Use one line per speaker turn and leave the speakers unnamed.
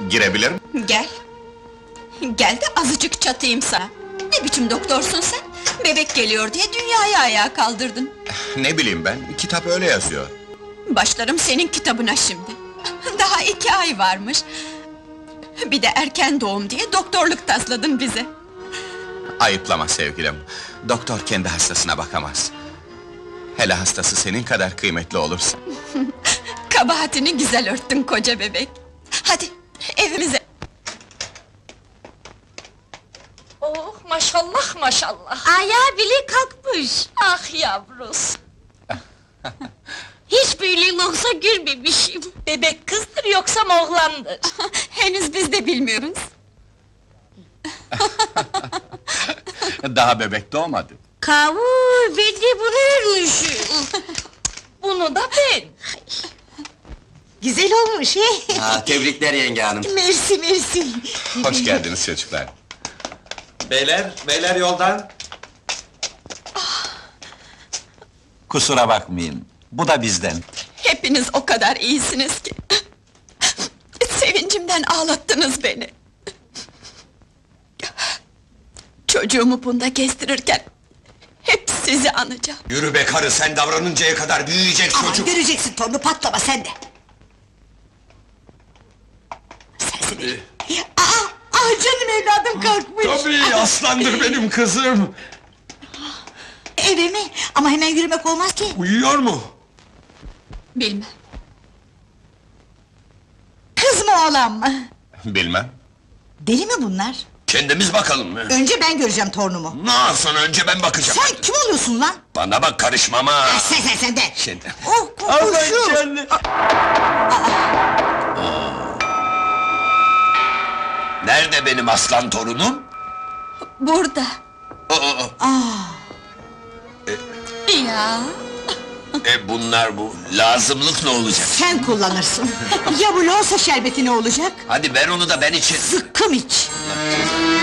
Girebilir mi?
Gel. Gel de azıcık çatayım sana. Ne biçim doktorsun sen? Bebek geliyor diye dünyayı ayağa kaldırdın.
Ne bileyim ben, kitap öyle yazıyor.
Başlarım senin kitabına şimdi. Daha 2 ay varmış. Bir de erken doğum diye doktorluk tasladın bize.
Ayıplama sevgilim. Doktor kendi hastasına bakamaz. Hele hastası senin kadar kıymetli olursa.
Kabahatini güzel örttün koca bebek. Hadi evimize.
Oh maşallah maşallah!
Ayağı bile kalkmış.
Ah yavrus!
Hiç böyle yoksa görmemişim.
Bebek kızdır yoksa oğlandır?
Henüz biz de bilmiyoruz.
Daha bebek doğmadı.
Kavur, ben de bunu örmüşüm.
Bunu da ben!
Güzel olmuş he?
Tebrikler yenge hanım.
Mersi mersi.
Hoş geldiniz çocuklar.
Beyler yoldan. Kusura bakmayın, bu da bizden.
Hepiniz o kadar iyisiniz ki. Sevincimden ağlattınız beni. Çocuğumu bunda gezdirirken hep sizi anacağım.
Yürü be karı, sen davranıncaya kadar büyüyecek çocuk.
Göreceksin torunu patlama sen de. Sensin. Canım evladım kalkmış.
Tabii, aslandır benim kızım.
Eve mi? Ama hemen yürümek olmaz ki.
Uyuyor mu?
Bilmem.
Kız mı oğlan mı?
Bilmem.
Deli mi bunlar?
Kendimiz bakalım mı?
Önce ben göreceğim torunumu.
Nasıl, önce ben bakacağım.
Sen kim oluyorsun lan?
Bana bak, karışmam ha!
Sen de.
Şimdi.
Oh kokuşu.
Nerede benim aslan torunum?
Burada. Ya.
Bunlar bu. Lazımlık ne olacak?
Sen kullanırsın. Ya bu loğusa şerbeti ne olacak?
Hadi ver onu da ben içeyim.
Zıkkım iç.
Allah cezanı.